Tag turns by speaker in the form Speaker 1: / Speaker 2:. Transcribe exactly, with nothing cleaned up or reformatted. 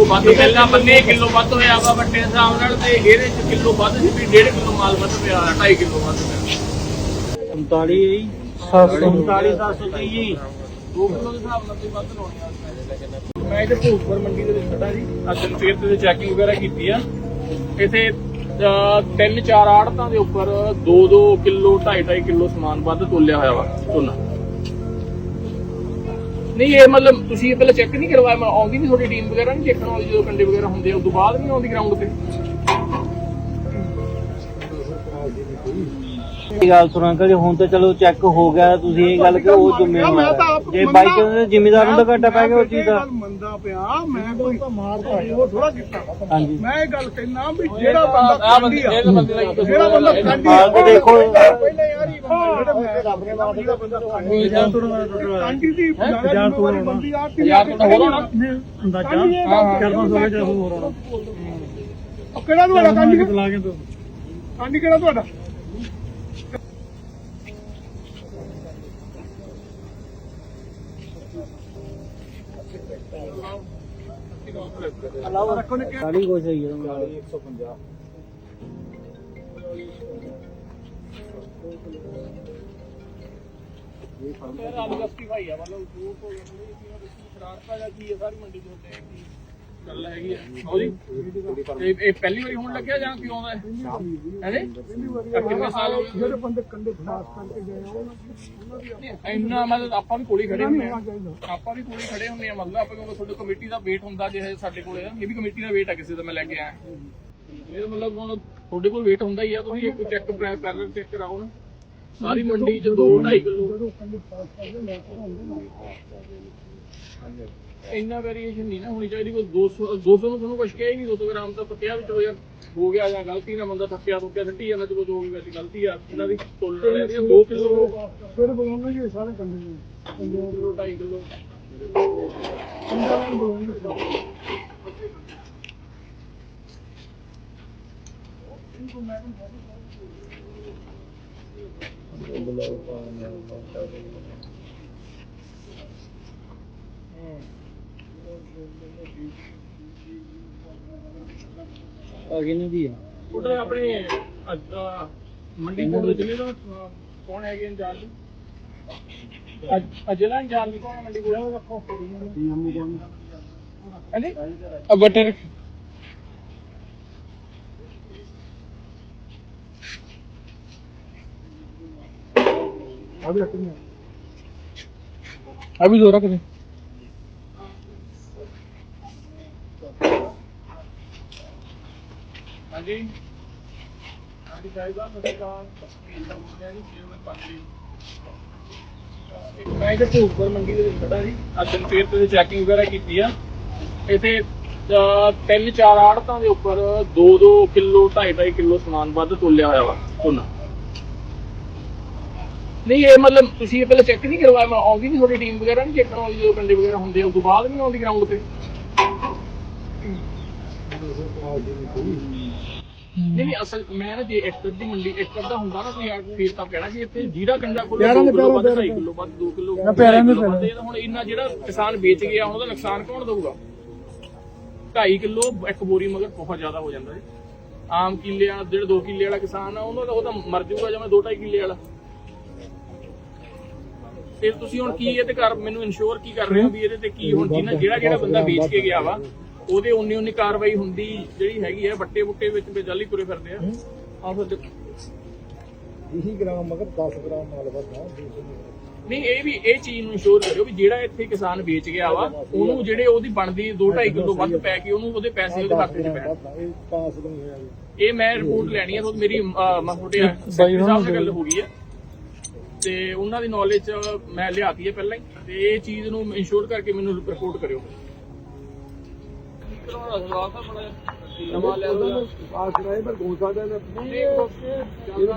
Speaker 1: ਵੱਧ ਪਹਿਲਾਂ ਬੰਨੇ ਕਿਲੋ ਵੱਧ ਹੋਇਆ ਵਾ ਵੱਡੇ ਹਿਸਾਬ ਨਾਲ ਤੇ ਇਹਦੇ ਚ ਕਿਲੋ ਵੱਧ ਸੀ ਵੀ ਡੇਢ ਕਿਲੋ ਮਾਲ ਵੱਧ ਪਿਆ ਢਾਈ ਕਿਲੋ ਵੱਧ ਪਿਆ
Speaker 2: ਉਨਤਾਲੀ ਹੈ ਜੀ ਸੱਤ ਸੌ ਉਨਤਾਲੀ ਸੱਤ ਸੌ ਤੀਹ ਜੀ
Speaker 1: ਦੋ ਕਿਲੋ ਦੇ ਹਿਸਾਬ ਨਾਲ ਤੁਸੀਂ ਵੱਧ ਲਾਉਣੇ ਆ। ਮੈਂ ਇੱਥੇ ਭੂਪਰ ਮੰਡੀ ਦੇ ਵਿੱਚ ਖੜਾ ਜੀ ਅੱਜ ਫੇਰ ਤੇ ਚੈਕਿੰਗ ਵਗੈਰਾ ਕੀਤੀ ਆ ਇੱਥੇ ਤਿੰਨ ਚਾਰ ਆੜਤਾਂ ਦੇ ਉੱਪਰ ਦੋ ਦੋ ਕਿਲੋ ਢਾਈ ਢਾਈ ਕਿਲੋ ਸਮਾਨ ਵੱਧ ਤੋਲਿਆ ਹੋਇਆ ਵਾ ਝੋਨਾ। ਨਹੀਂ ਇਹ ਮਤਲਬ ਤੁਸੀਂ ਇਹ ਪਹਿਲਾਂ ਚੈੱਕ ਨਹੀਂ ਕਰਵਾਇਆ ਮੈਂ ਆਉਂਦੀ ਨਹੀਂ ਤੁਹਾਡੀ ਟੀਮ ਵਗੈਰਾ ਨਹੀਂ ਚੈੱਕ ਕਰਾਉਂਦੀ ਜਦੋਂ ਕੰਡੇ ਵਗੈਰਾ ਹੁੰਦੇ ਆ ਉਸ ਤੋਂ ਬਾਅਦ ਨਹੀਂ ਆਉਂਦੀ ਗਰਾਊਂਡ ਤੇ।
Speaker 2: ਇਹ ਗੱਲ ਸੁਣਾ ਕਿ ਹੁਣ ਤਾਂ ਚਲੋ ਚੈੱਕ ਹੋ ਗਿਆ ਤੁਸੀਂ ਇਹ ਗੱਲ ਕਿ ਉਹ ਜ਼ਿੰਮੇਵਾਰ ਜੇ ਬਾਈਕ ਦੇ ਜ਼ਿੰਮੇਦਾਰ ਨੂੰ ਤਾਂ ਘਾਟਾ ਪੈ ਗਿਆ ਉਹ ਚੀਜ਼ ਦਾ
Speaker 3: ਮੰਨਦਾ ਪਿਆ ਮੈਂ ਕੋਈ ਮਾਰਦਾ ਉਹ ਥੋੜਾ ਕੀਤਾ
Speaker 2: ਹਾਂਜੀ
Speaker 3: ਮੈਂ ਇਹ ਗੱਲ ਕਹਿਣਾ ਵੀ ਜਿਹੜਾ ਬੰਦਾ
Speaker 1: ਆ ਬੰਦੇ ਇਹ ਬੰਦੇ ਦਾ ਕੀ
Speaker 3: ਜਿਹੜਾ ਬੰਦਾ ਖਾਂਦੀ
Speaker 2: ਹਾਲ ਤੇ ਦੇਖੋ
Speaker 3: ਪਹਿਲਾਂ ਯਾਰ ਹੀ ਬੰਦਾ ਮੈਂ ਰੱਬ ਨੇ ਮਾਰ ਦਿੱਤਾ ਬੰਦਾ ਖਾਂਦੀ ਦੀ ਜਾਨ ਤੋਂ ਬੰਦੀ ਆ
Speaker 1: ਯਾਰ ਤੁਹਾਡਾ ਹੋਰ ਹੋਣਾ
Speaker 3: ਅੰਦਾਜ਼ਾ ਚਾਰ ਪੰਜ ਸੌ ਜਾਂ ਹੋਰ ਹੋਣਾ ਉਹ ਕਿਹੜਾ ਤੁਹਾਡਾ ਖਾਂਦੀ ਲਾ ਕੇ ਖਾਂਦੀ ਕਿਹੜਾ ਤੁਹਾਡਾ
Speaker 2: ਸਾਡੀ ਕੁਛ ਹੈ ਇੱਕ ਸੌ ਪੰਜਾਹ
Speaker 1: ਯਾਰ ਆਲੂਗਸਤੀ ਭਾਈ ਆ ਮਤਲਬ ਦੂਰ ਤੋਂ ਸ਼ਰਾਰਤਾਂ ਜਾਂ ਕੀ ਹੈ ਸਾਰੀ ਮੰਡੀ ਦੇ ਉੱਤੇ ਕੀ ਗੱਲ ਹੈਗੀ ਆ ਉਹ ਜੀ ਇਹ ਇਹ ਪਹਿਲੀ ਵਾਰੀ ਹੋਣ ਲੱਗਿਆ ਜਾਂ ਕਿਉਂ ਆਉਂਦਾ ਹੈ ਹੈ ਕਿੰਨੇ ਸਾਲ ਹੋ ਗਏ
Speaker 3: ਜਿਹੜੇ ਬੰਦੇ ਕੰਡੇ ਫਾਸ ਕਰਕੇ ਗਏ ਉਹਨਾਂ ਦੀ
Speaker 1: ਇੰਨਾ ਮਤਲਬ ਆਪਾਂ ਵੀ ਕੋਲੇ ਖੜੇ ਹੁੰਦੇ ਆ ਆਪਾਂ ਵੀ ਕੋਲੇ ਖੜੇ ਹੁੰਦੇ ਆ ਮਤਲਬ ਆਪਾਂ ਕਿਉਂਕਿ ਤੁਹਾਡੀ ਕਮੇਟੀ ਦਾ ਵੇਟ ਹੁੰਦਾ ਜੇ ਸਾਡੇ ਕੋਲੇ ਇਹ ਵੀ ਕਮੇਟੀ ਦਾ ਵੇਟ ਆ ਕਿਸੇ ਦਾ ਮੈਂ ਲੈ ਕੇ ਆਇਆ ਇਹ ਮਤਲਬ ਹੁਣ ਤੁਹਾਡੇ ਕੋਲ ਵੇਟ ਹੁੰਦਾ ਹੀ ਆ ਤੁਸੀਂ ਇੱਕ ਚੈੱਕ ਕਰ ਚੈੱਕ ਕਰਾਓ ਨਾ ਸਾਰੀ ਮੰਡੀ ਚ ਦੋ ਢਾਈ ਕਿਲੋ ਇੰਨਾ ਵੇਰੀਏਸ਼ਨ ਨਹੀਂ ਨਾ ਹੋਣੀ ਚਾਹੀਦੀ ਕੋਈ ਦੋ ਸੌ ਦੋ ਸੌ ਨੂੰ ਤੁਹਾਨੂੰ ਕੁਛ ਕਿਹਾ ਹੀ ਨਹੀਂ ਦੋ ਸੌ ਗ੍ਰਾਮ ਤਾਂ ਪੱਕਿਆ ਵਿੱਚ ਹੋ ਯਾਰ ਹੋ ਗਿਆ ਜਾਂ ਗਲਤੀ ਨਾਲ ਬੰਦਾ ਥੱਕਿਆ ਥੁੱਕਿਆ ਸੱਟੀ ਜਾਂਦਾ ਤੇ ਕੁਝ ਹੋ ਗਈ ਵੈਸੇ ਗਲਤੀ ਆ ਇਹਨਾਂ ਦੀ ਤੋਲ ਰਹੀ ਹੈ ਦੋ ਕਿਲੋ
Speaker 3: ਫਿਰ ਬੋਲਣਾ ਜੀ ਸਾਰੇ ਕੰਡੇ
Speaker 1: ਦੋ ਕਿਲੋ ਢਾਈ ਕਿਲੋ
Speaker 2: ਆਗੇ ਨਹੀਂ ਦੀ
Speaker 1: ਉਹਦੇ ਆਪਣੇ ਮੰਡੀ ਕੋਲ ਦੇ ਜ਼ਿਲ੍ਹੇ ਦਾ ਕੌਣ ਹੈਗੇ ਇੰਚਾਰਜ ਅੱਜ ਜ਼ਿਲ੍ਹਾ ਇੰਚਾਰਜ ਕੌਣ ਹੈ ਮੰਡੀ ਕੋਲ ਰੱਖੋ ਹਾਂਜੀ ਬਟਰ
Speaker 3: अभी रखनी
Speaker 1: अभी दो रख दे हाँ जी हाँ जी साहिबा नमस्कार ਮੈਂ ਇੱਥੇ ਭੂਪਰ ਮੰਡੀ ਦੇ ਵਿੱਚ ਖੜਾ ਜੀ ਅੱਜ ਫੇਰ ਤੇ ਚੈਕਿੰਗ ਵਗੈਰਾ ਕੀਤੀ ਆ ਇੱਥੇ ਤਿੰਨ ਚਾਰ ਆੜਤਾਂ ਦੇ ਉੱਪਰ ਦੋ ਦੋ ਕਿਲੋ ਢਾਈ ਢਾਈ ਕਿਲੋ ਸਮਾਨ ਵੱਧ ਤੋਲਿਆ ਹੋਇਆ ਵਾ ਝੋਨਾ। ਨਹੀਂ ਇਹ ਮਤਲਬ ਤੁਸੀਂ ਇਹ ਪਹਿਲਾਂ ਚੈੱਕ ਨਹੀਂ ਕਰਵਾਇਆ ਮੈਂ ਆਉਂਦੀ ਨਹੀਂ ਤੁਹਾਡੀ ਟੀਮ ਵਗੈਰਾ ਨਹੀਂ ਚੈੱਕ ਕਰਾਉਂਦੀ ਜਦੋਂ ਕੰਡੇ ਵਗੈਰਾ ਹੁੰਦੇ ਆ ਉਸ ਤੋਂ ਬਾਅਦ ਨਹੀਂ ਆਉਂਦੀ ਗਰਾਊਂਡ ਤੇ। ਨਹੀਂ ਨਹੀਂ ਅਸਲ ਮੈਂ ਨਾ ਜੇ ਏਕੜ ਦੀ ਮੰਡੀ ਏਕੜ ਦਾ ਹੁੰਦਾ ਨਾ ਤੁਸੀਂ ਫੇਰ ਤਾਂ ਕਹਿਣਾ ਕਿ ਇੱਥੇ ਜਿਹੜਾ ਕੰਡਾ ਕੋਲ ਦੋ ਕਿਲੋ ਵੱਧ ਢਾਈ ਕਿਲੋ ਵੱਧ ਦੋ ਕਿਲੋ ਹੁਣ ਇੰਨਾ ਜਿਹੜਾ ਕਿਸਾਨ ਵੇਚ ਗਿਆ ਉਹਦਾ ਨੁਕਸਾਨ ਕੌਣ ਦਊਗਾ? ਢਾਈ ਕਿਲੋ ਇੱਕ ਬੋਰੀ ਮਗਰ ਬਹੁਤ ਜ਼ਿਆਦਾ ਹੋ ਜਾਂਦਾ ਜੀ। ਆਮ ਕਿੱਲੇ ਵਾਲਾ ਜਿਹੜਾ ਦੋ ਕਿੱਲੇ ਵਾਲਾ ਕਿਸਾਨ ਆ ਉਹਨੂੰ ਉਹ ਤਾਂ ਮਰ ਜਾਊਗਾ ਜਿਵੇਂ ਦੋ ਢਾਈ ਕਿੱਲੇ ਵਾਲਾ। ਤੇ ਤੁਸੀਂ ਹੁਣ ਕੀ ਇਹਦੇ ਕਰ ਮੈਨੂੰ ਇਨਸ਼ੋਰ ਕੀ ਕਰ ਰਹੇ ਹੋ ਵੀ ਇਹਦੇ ਤੇ ਕੀ ਹੁਣ ਜਿਹਨਾਂ ਜਿਹੜਾ ਜਿਹੜਾ ਬੰਦਾ ਵੇਚ ਕੇ ਗਿਆ ਵਾ ਉਹਦੇ ਉਨੀ ਉਨੀ ਕਾਰਵਾਈ ਹੁੰਦੀ ਜਿਹੜੀ ਹੈਗੀ ਹੈ ਬੱਟੇ ਬੁੱਟੇ ਵਿੱਚ ਬੇਜਾਲੀ ਤੁਰੇ ਫਿਰਦੇ ਆ ਆ ਫਿਰ
Speaker 3: ਵੀਹ ਗ੍ਰਾਮ ਮਗਰ ਦਸ ਗ੍ਰਾਮ ਮਾਲ ਵਧਾ
Speaker 1: ਨਹੀਂ ਇਹ ਵੀ ਇਹ ਚੀਜ਼ ਨੂੰ ਇਨਸ਼ੋਰ ਕਰਿਓ ਵੀ ਜਿਹੜਾ ਇੱਥੇ ਕਿਸਾਨ ਵੇਚ ਗਿਆ ਵਾ ਉਹਨੂੰ ਜਿਹੜੇ ਉਹਦੀ ਬਣਦੀ ਦੋ ਢਾਈ ਕਿਲੋ ਵੱਧ ਪੈ ਕੇ ਉਹਨੂੰ ਉਹਦੇ ਪੈਸੇ ਉਹਦੇ ਖਾਤੇ 'ਚ ਪੈਣ।
Speaker 3: ਇਹ ਪਾਸ ਨਹੀਂ ਹੋਇਆ
Speaker 1: ਇਹ ਮੈਂ ਰਿਪੋਰਟ ਲੈਣੀ ਹੈ ਮੇਰੀ ਮੈਂ ਤੁਹਾਡੇ ਸੈਕਟਰੀ ਸਾਹਿਬ ਨਾਲ ਗੱਲ ਹੋ ਗਈ ਹੈ ਤੇ ਉਹਨਾਂ ਦੀ ਨੌਲੇਜ ਮੈਂ ਲਿਆਤੀ ਹੈ ਪਹਿਲਾਂ ਹੀ ਤੇ ਇਹ ਚੀਜ਼ ਨੂੰ ਇਨਸ਼ੋਰ ਕਰਕੇ ਮੈਨੂੰ ਰਿਪੋਰਟ ਕਰਿਓ। ਨਵਾਂ ਲੈ
Speaker 3: ਪਾਸ ਕਰਾਏ ਪਰ ਗੋਸਾ ਦਾ